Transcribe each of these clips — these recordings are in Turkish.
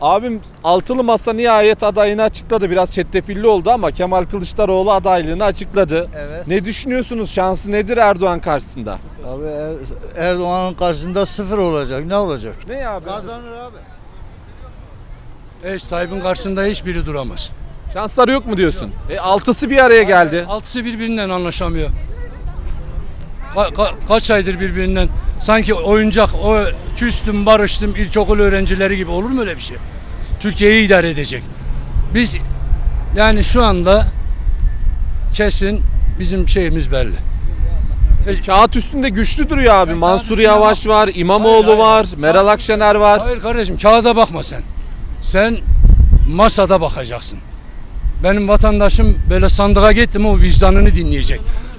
Abim Altılı Masa nihayet adayını açıkladı. Biraz çetrefilli oldu ama Kemal Kılıçdaroğlu adaylığını açıkladı. Evet. Ne düşünüyorsunuz? Şansı nedir Erdoğan karşısında? Abi Erdoğan'ın karşısında sıfır olacak. Ne olacak? Ne abi? Kazanır abi. Tayyip'in karşısında hiçbiri duramaz. Şansları yok mu diyorsun? Altısı bir araya geldi. Altısı birbirinden anlaşamıyor. Kaç aydır birbirinden sanki oyuncak, o küstüm barıştım ilkokul öğrencileri gibi, olur mu öyle bir şey? Türkiye'yi idare edecek. Biz yani şu anda kesin bizim şeyimiz belli. Kağıt üstünde güçlü duruyor abi. Mansur Yavaş var, İmamoğlu var, Meral Akşener var. Hayır kardeşim, kağıda bakma sen. Sen masada bakacaksın. Benim vatandaşım böyle sandığa gitti mi o vicdanını dinleyecek.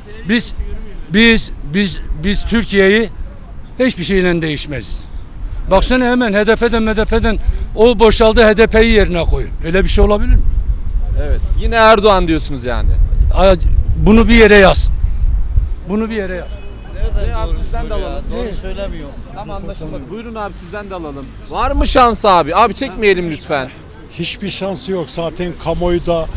Biz Türkiye'yi hiçbir şeyle değişmeziz. Baksana hemen HDP'den o boşaldı, HDP'yi yerine koy. Öyle bir şey olabilir mi? Evet. Yine Erdoğan diyorsunuz yani. Bunu bir yere yaz. Bunu bir yere yaz. Abi sizden de alalım. Doğru söylemiyor. Tam anlaşılmadı. Buyurun abi sizden de alalım. Var mı şans abi? Abi çekmeyelim lütfen. Hiçbir şansı yok. Zaten kamuoyuda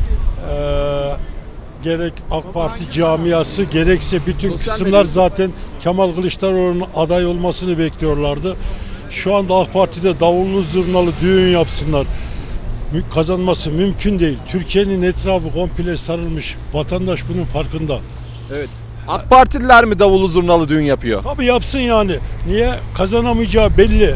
gerek AK Parti camiası gerekse bütün Sosyal kısımlar medya. zaten Kemal Kılıçdaroğlu'nun aday olmasını bekliyorlardı. Şu anda AK Parti'de davullu zurnalı düğün yapsınlar. Kazanması mümkün değil. Türkiye'nin etrafı komple sarılmış. Vatandaş bunun farkında. Evet. AK Partililer mi davulu zurnalı düğün yapıyor? Tabii yapsın yani. Niye? Kazanamayacağı belli.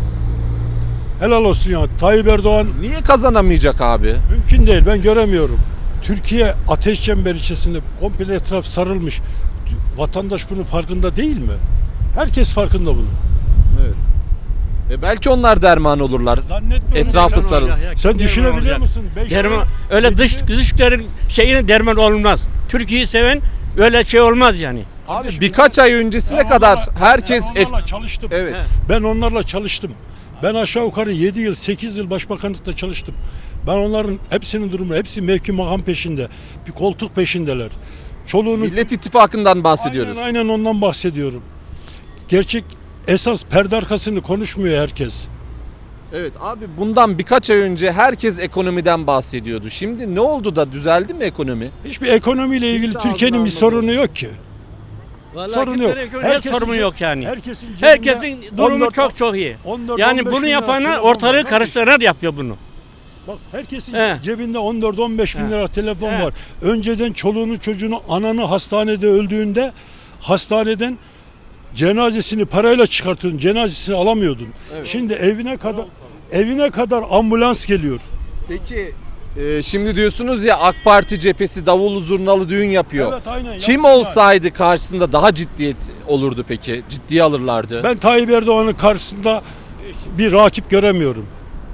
Helal olsun yani. Tayyip Erdoğan Niye kazanamayacak abi? mümkün değil. Ben göremiyorum. Türkiye ateş çemberi içerisinde komple etraf sarılmış. Vatandaş bunun farkında değil mi? Herkes farkında bunun. Evet. Belki onlar derman olurlar. Zannetmiyorum. Etrafı Sen- sarılsın. Sen düşünebiliyor olacak. musun? Derman, öyle dışların şeyine derman olmaz. Türkiye'yi seven öyle şey olmaz yani. Abi birkaç ay öncesine kadar herkes Ben onlarla çalıştım. Evet. Ben onlarla çalıştım. Ben aşağı yukarı 7 yıl, 8 yıl başbakanlıkta çalıştım. Ben onların hepsinin durumu, hepsi mevki makam peşinde. Bir koltuk peşindeler. Çoluğunu... Millet İttifakı'ndan bahsediyoruz. Aynen ondan bahsediyorum. Gerçek esas perde arkasını konuşmuyor herkes. Evet abi bundan birkaç ay önce herkes ekonomiden bahsediyordu. Şimdi ne oldu da düzeldi mi ekonomi? Hiçbir ekonomiyle ilgili Kimse Türkiye'nin ağzını bir sorunu yok ki. Vallahi Sorun yok. Herkesin sorunu yok yani. Herkesin Herkesin durumu 14 çok iyi. 14, Yani 15 bunu bin lira yapanlar telefon var ortalığı kardeşim. karıştırarak yapıyor bunu. Bak herkesin He. cebinde 14-15 bin He. lira telefon He. var. Önceden çoluğunu çocuğunu ananı hastanede öldüğünde hastaneden cenazesini parayla çıkartıyordun. Cenazesini alamıyordun. Şimdi evine kadar ambulans geliyor. Peki şimdi diyorsunuz ya AK Parti cephesi davullu zurnalı düğün yapıyor. Evet, aynen, Kim yapsınlar. olsaydı karşısında daha ciddiyet olurdu peki? Ciddiye alırlardı. Ben Tayyip Erdoğan'ın karşısında bir rakip göremiyorum.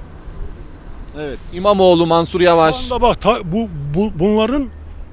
Evet. İmamoğlu, Mansur Yavaş. Şu anda bak bunların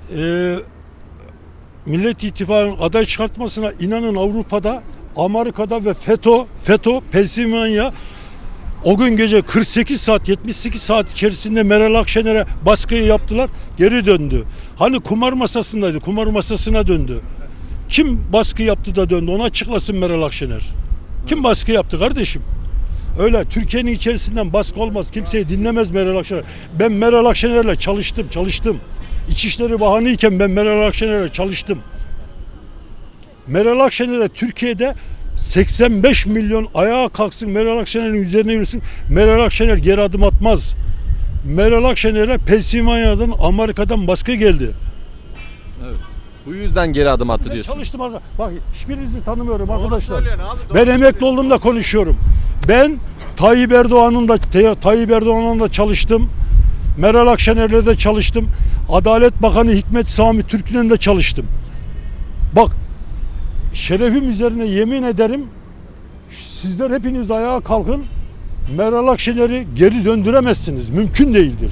Millet İttifakı'nın aday çıkartmasına inanın Avrupa'da, Amerika'da ve FETÖ, Pensilvanya o gün gece 48 saat, 78 saat içerisinde Meral Akşener'e baskıyı yaptılar, geri döndü. Hani kumar masasındaydı, kumar masasına döndü. Kim baskı yaptı da döndü? Onu açıklasın Meral Akşener. Kim baskı yaptı kardeşim? Öyle Türkiye'nin içerisinden baskı olmaz. Kimseyi dinlemez Meral Akşener. Ben Meral Akşener'le çalıştım. İçişleri Bakanıyken ben Meral Akşener'le çalıştım. Meral Akşener'e Türkiye'de 85 milyon ayağa kalksın, Meral Akşener'in üzerine yürüsün. Meral Akşener geri adım atmaz. Meral Akşener'e Pensilvanya'dan, Amerika'dan baskı geldi. Evet. Bu yüzden geri adım attı Ben diyorsun. çalıştım arkadaşlar. Bak hiçbirinizi tanımıyorum arkadaşlar. Ben emekli olduğumda konuşuyorum. Ben Tayyip Erdoğan'la da çalıştım. Meral Akşener'le de çalıştım. Adalet Bakanı Hikmet Sami Türk'le de çalıştım. Bak şerefim üzerine yemin ederim sizler hepiniz ayağa kalkın. Meral Akşener'i geri döndüremezsiniz. Mümkün değildir.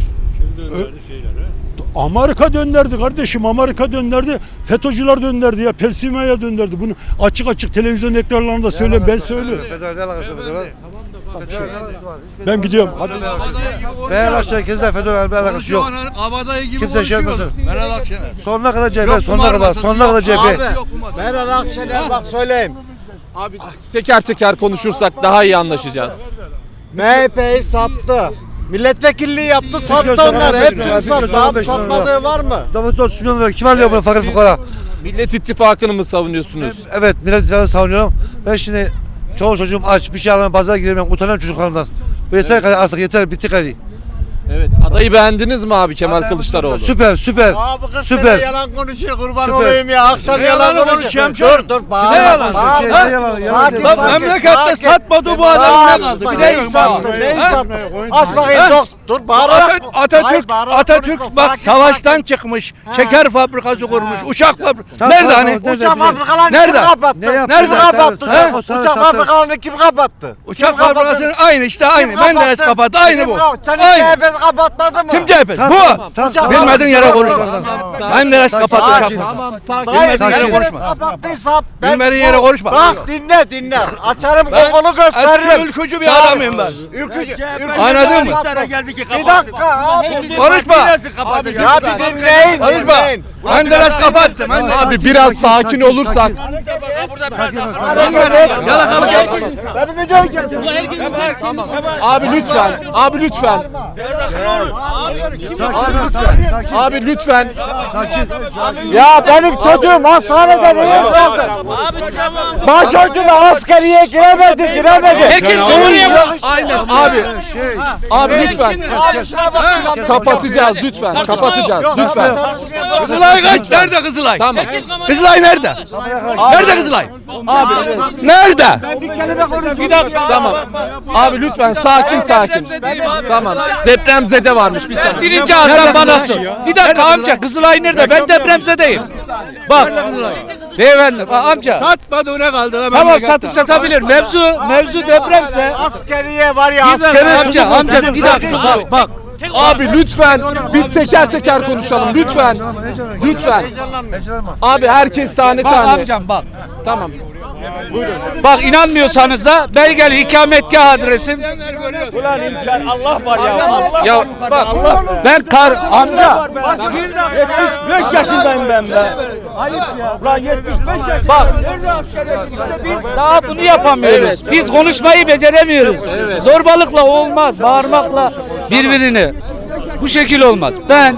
Amerika döndürdü kardeşim. Amerika döndürdü. FETÖ'cüler döndürdü ya. Pensilvanya döndürdü. Bunu açık televizyon ekranlarında söyleyeyim. Ben söylüyorum. Ben gidiyorum. Hadi. Meral Akşener kesinlikle FETÖ'yle bir alakası yok. Abadayı gibi Kimse şey yapmasın. Meral Akşener. Sonuna kadar CHP, sonuna kadar CHP. Meral Akşener bak söyleyeyim. Abi teker teker konuşursak daha iyi anlaşacağız. MHP'yi sattı. Milletvekilliği yaptı, sattı onları. Hepsini sattı. Abi satmadığı var mı? Domates 30 milyon lira kim alıyor bunu fakir fukara? Millet İttifakı'nı mı savunuyorsunuz? Evet Millet İttifakı'nı savunuyorum. Ben şimdi çoğu çocuğum aç bir şey alamam pazara giremiyorum utanıyorum çocuklarımdan. Bu yeter artık yeter bitti gari. Evet. Adayı beğendiniz mi abi Kemal Kılıçdaroğlu? Süper süper. Abi kız Süper. yalan konuşuyor kurban Süper. olayım ya. Akşam yalan konuşuyor. Dur bağırma. yalan? Sakin Lan sakin. memlekette sakin. satmadı bu adam ne kaldı? Bir Neyi de sattı? Neyi sattı? Aç bakayım dur bağırarak. Atatürk Atatürk bak savaştan çıkmış. Şeker fabrikası kurmuş. Uçak fabrikası. Nerede hani? Uçak fabrikalarını Nerede? kim kapattı? Ne yaptı? Kim kapattı? Nerede? Uçak fabrikalarını kim kapattı? Uçak fabrikasının aynı işte aynı. Menderes kapattı. Aynı bu. Senin Aynı. CHP kapatmadı mı? Kim CHP? Bu. Bilmediğin yere konuşma. Menderes kapattı uçak fabrikasını. Tamam sakin. Hayır, Bilmediğin yere Menderes konuşma. kapattıysa ben Bilmediğin yere konuşma. Bak dinle. Açarım Ben kokonu eski gösteririm. ülkücü bir adamım ben. Ülkücü. Anladın mı? Bir dakika abi. Konuşma. Ya bir dinleyin. Konuşma. dinleyin. Menderes kapattı. Abi biraz sakin olursak. Benim videoyu kesin. Abi lütfen. Abi lütfen. Abi lütfen. Ya benim çocuğum hastanede niye kaldı? Başörtülü askeriye giremedi. Herkes konuya Aynen abi. Abi lütfen. Kapatacağız lütfen. Kapatacağız lütfen. Kızılay kaç? Nerede Kızılay? Tamam. Kızılay nerede? Nerede Kızılay? Abi Nerede? Bir dakika. tamam. Abi lütfen sakin. Tamam. Depremzede varmış bir saniye. Birinci ağızdan bana sor. Bir dakika amca Kızılay nerede? Ben depremzedeyim. Bak. Beyefendi bak amca. Satmadı ne kaldı? Tamam satıp satabilir. Mevzu depremse. Askeriye var ya Bir dakika, amca bir dakika bak. Abi lütfen bir teker konuşalım lütfen. Lütfen. Abi herkes tane Bak tane. amcam bak. Tamam. Bak inanmıyorsanız da belgeli ikametgah adresim. Ya Bak ben amca. 75 yaşındayım ben be. Ayıp ya. Lan 75 yaş. Bak. İşte biz daha bunu yapamıyoruz. Biz konuşmayı beceremiyoruz. Zorbalıkla olmaz. Bağırmakla birbirini. Bu şekil olmaz. Ben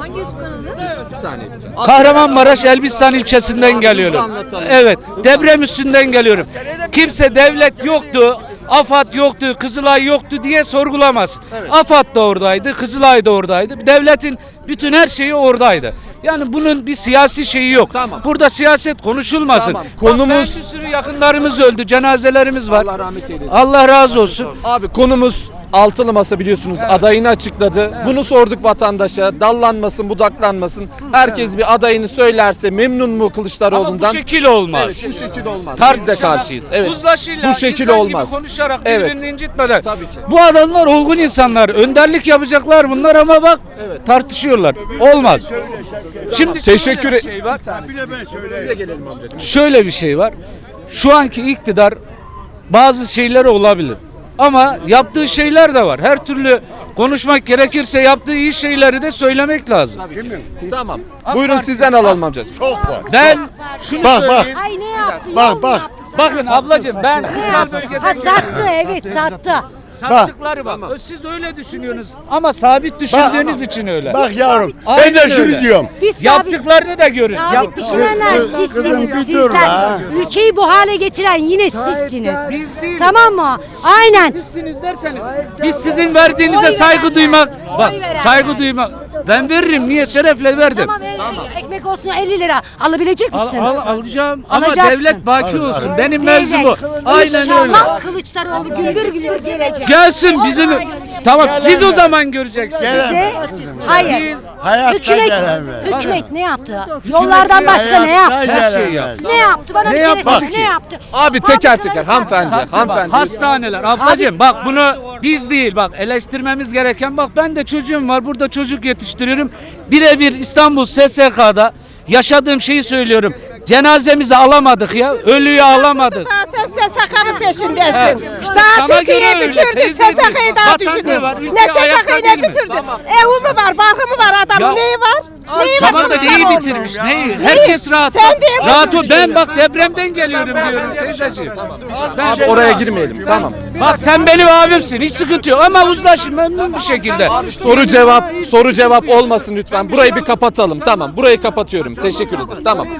Kahramanmaraş Elbistan ilçesinden geliyorum. Evet, deprem üstünden geliyorum. Kimse devlet yoktu, AFAD yoktu, Kızılay yoktu diye sorgulamaz. AFAD da oradaydı, Kızılay da oradaydı. Devletin bütün her şeyi oradaydı. Yani bunun bir siyasi şeyi yok. Tamam. Burada siyaset konuşulmasın. Tamam. Konumuz bir sürü yakınlarımız öldü, cenazelerimiz var. Allah rahmet eylesin. Allah razı olsun. Abi konumuz Altılı Masa biliyorsunuz adayını açıkladı. Bunu sorduk vatandaşa. Dallanmasın, budaklanmasın. Herkes bir adayını söylerse memnun mu Ama Kılıçdaroğlu'ndan? bu şekil olmaz. Evet, bu şekil olmaz. Biz de Tartışarak, karşıyız. Evet. Uzlaşıyla, Bu şekil insan olmaz. gibi konuşarak Evet. birbirini incitmeden. Tabii ki. Bu adamlar olgun insanlar. Önderlik yapacaklar bunlar ama bak tartışıyorlar. Olmaz. Şimdi Teşekkür şöyle bir şey var. Size gelelim amcacığım. Şöyle bir şey var. Şu anki iktidar bazı şeyleri olabilir. Ama yaptığı şeyler de var. Her türlü konuşmak gerekirse yaptığı iyi şeyleri de söylemek lazım. Tamam. Buyurun sizden alalım amcacığım. Ben şunu söyleyeyim. Ay ne yaptı? Bak. Bakın ablacığım ben Ne kırsal yaptı? bölgeden Ha sattı evet sattı. sattıkları bak. Siz öyle düşünüyorsunuz ama sabit düşündüğünüz için öyle. Bak yavrum. Aynen Ben de şunu öyle. diyorum. Biz sabit, Yaptıklarını da görün. sabit düşünenler sizsiniz sizler. Ülkeyi bu hale getiren yine sizsiniz. Biz değiliz. Tamam mı? Aynen. Sizsiniz derseniz biz sizin verdiğinize Oy saygı verenler, duymak. Bak oy verenler. saygı duymak. Ben veririm. Niye? Şerefle verdim. Tamam, ekmek olsun 50 lira. Alabilecek misin? Alacağım ama Alacaksın. devlet baki olsun. Benim Devlet. mevzum bu. Aynen öyle. İnşallah Kılıçdaroğlu gümbür gümbür gelecek. Gelsin O bizim. zaman göreceğiz. Tamam siz o zaman göreceksiniz. Size, hayır. Hayatta Hükümet, gelemez. hükümet ne yaptı? Yollardan başka ne yaptı? Her şeyi yaptı. Ne yaptı? Bana Ne bir yaptı söylesene. ki? Ne yaptı? Abi teker teker hanımefendi. Hanımefendi. Hastaneler. Ablacığım bak bunu biz değil bak eleştirmemiz gereken bak ben de çocuğum var burada çocuk yetiştiriyorum. Birebir İstanbul SSK'da yaşadığım şeyi söylüyorum. Cenazemizi alamadık ya. Ölüyü alamadık. Sen SSK'nın peşindesin. işte Daha sana Türkiye'yi göre öyle, bitirdin. teyzeciğim. SSK'yı daha Vatan düşündün. ne var? Ülke Ne ayakta SSK'yı değil ne mi? bitirdin? Evi mi var, barkı mı var adamın? Ya- Neyi var? Neyi var? Tamam da neyi Kılıçdaroğlu? bitirmiş? Neyi? Herkes rahat. Sen diye Rahat ol. Ben bak depremden geliyorum diyorum teyzeciğim. Ben Oraya girmeyelim. Tamam. Bak sen benim abimsin. Hiç sıkıntı yok ama uzlaşın memnun bir şekilde. Soru cevap olmasın lütfen. Burayı bir kapatalım. Tamam. Burayı kapatıyorum. Teşekkür ederim. Tamam.